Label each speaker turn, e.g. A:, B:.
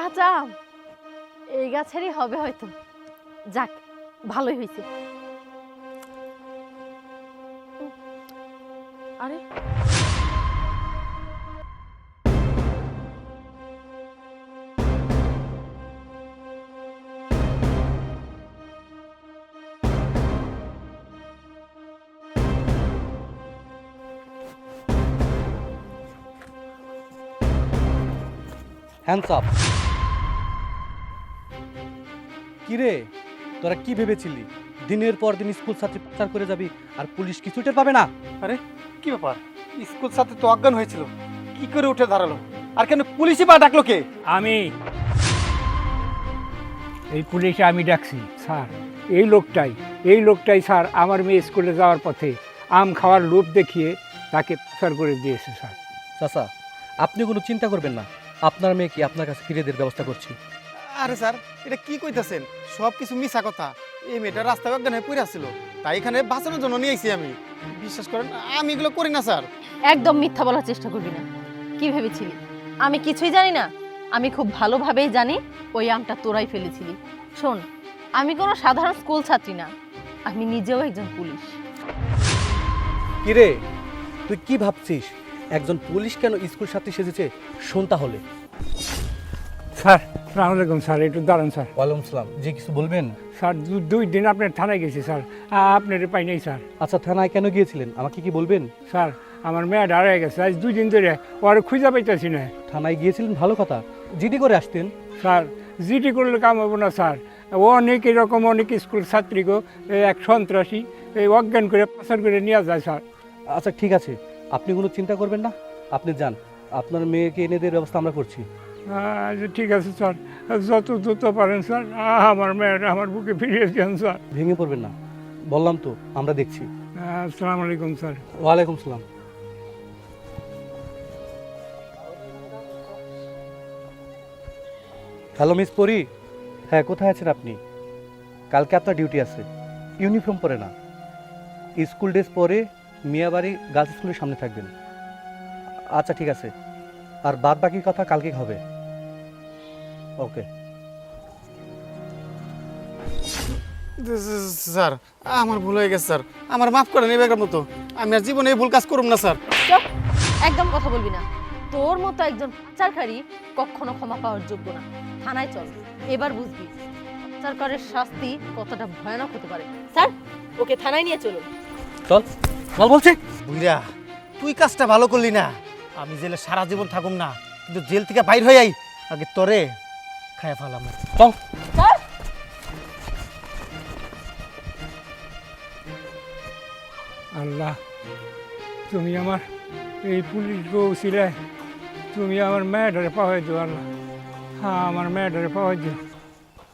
A: কাঁচা আম এই গাছেরই হবে হয়তো। যাক, ভালোই হয়েছে। আরে
B: হ্যান্ডস আপ। কিরে, তোরা কি ভেবেছিলি দিনের পর দিন স্কুল ছাত্রী পাচার করে যাবি আর পুলিশ কিছু টের পাবে না?
C: আরে কি ব্যাপার, স্কুল ছাত্র তো অজ্ঞান হয়েছিল, কি করে উঠে দাঁড়ালো? আর কেন পুলিশই বা ডাকলো কে?
D: আমি এই পুলিশে আমি ডাকছি স্যার। এই লোকটাই স্যার আমার মেয়ে স্কুলে যাওয়ার পথে আম খাওয়ার লোভ দেখিয়ে তাকে পাচার করে দিয়েছে স্যার।
B: চাচা, আপনি কোনো চিন্তা করবেন না, আপনার মেয়েকে আপনার কাছে ফিরিয়ে দেওয়ার ব্যবস্থা করছি।
C: আরে স্যার, এটা কি কইতাছেন? সব কিছু মিছা কথা। এই মেয়েটা রাস্তায় অজ্ঞান হয়ে পড়ে আসছিল, তাই এখানে বাঁচানোর জন্য নিয়ে আইছি আমি। বিশ্বাস করেন, আমি এগুলো করি না স্যার।
A: একদম মিথ্যা বলার চেষ্টা করবি না। কি ভেবেছিলি আমি কিছুই জানি না? আমি খুব ভালোভাবেই জানি ওই আমটা তোরাই ফেলেছিলি। শোন, আমি কোনো সাধারণ স্কুল ছাত্রী না, আমি নিজেও একজন পুলিশ।
B: কিরে, তুই কি ভাবছিস একজন পুলিশ কেন স্কুল ছাত্রী সেজেছে? শোন তাহলে।
D: স্যার সালাম আলাইকুম স্যার, একটু দাঁড়ান স্যার।
B: ওয়ালাইকুম সালাম। জি, কিছু বলবেন?
D: স্যার 2 দিন আপনার থানায় গেছি স্যার, আপনার পাই নাই স্যার।
B: আচ্ছা, থানায় কেন গিয়েছিলেন আমাকে কি বলবেন?
D: স্যার আমার মেয়ে হারিয়ে গেছে, আজ 2 দিন ধরে ওর খুঁজে পাইতেছি না।
B: থানায় গিয়েছিলেন, ভালো কথা, জিডি করে আসতেন।
D: স্যার জিডি করলে কাম হবো না স্যার। ও অনেক এরকম অনেক স্কুল ছাত্রীকে এক সন্ত্রাসী এই অজ্ঞান করে পাচার করে নিয়ে যায় স্যার।
B: আচ্ছা ঠিক আছে, আপনি কোনো চিন্তা করবেন না, আপনি যান, আপনার মেয়েকে এনে দেওয়ার ব্যবস্থা আমরা করছি।
D: আচ্ছা ঠিক আছে স্যার, যত দ্রুত পারেন স্যার আমার মেয়েটা আমার বুকে ফিরিয়ে দেন স্যার।
B: ভেঙে পড়বেন না, বললাম তো আমরা দেখছি।
D: আসসালামু আলাইকুম স্যার।
B: ওয়ালাইকুম সালাম। হ্যালো মিস পরি। হ্যাঁ, কোথায় আছেন আপনি? কালকে আপনার ডিউটি আছে। ইউনিফর্ম পরে না, স্কুল ড্রেস পরে মিয়াবাড়ি গার্লস স্কুলের সামনে থাকবেন। আচ্ছা ঠিক আছে, আর বাদ বাকি কথা কালকে হবে। ওকে।
C: স্যার আমার ভুল হয়ে গেছে স্যার, আমার মাফ করেন এবার মতো। আমি আর জীবনে এই ভুল কাজ করব না স্যার।
A: চুপ, একদম কথা বলবি না। তোর মতো একজন পাচারকারী কখনো ক্ষমা পাওয়ার যোগ্য না। থানায় চল, এবার বুঝবি পাচারকারের শাস্তি কতটা ভয়ানক হতে পারে। স্যার, ওকে থানায় নিয়ে চলুন।
B: চল, চল বলছি।
C: বুইরা, তুই কাজটা ভালো করলি না। আমি জেলে সারা জীবন থাকুম না, কিন্তু জেল থেকে বাইর হয়ে আই আগে তোরে খায়া ফেলাম।
B: চল।
A: স্যার,
D: আল্লাহ, তুমি আমার এই পুলিশ বউ ছিলে, তুমি আমার মেয়েটারে পাওয়াই দিও আল্লাহ। হ্যাঁ, আমার মেয়েটারে পাওয়াই দিও।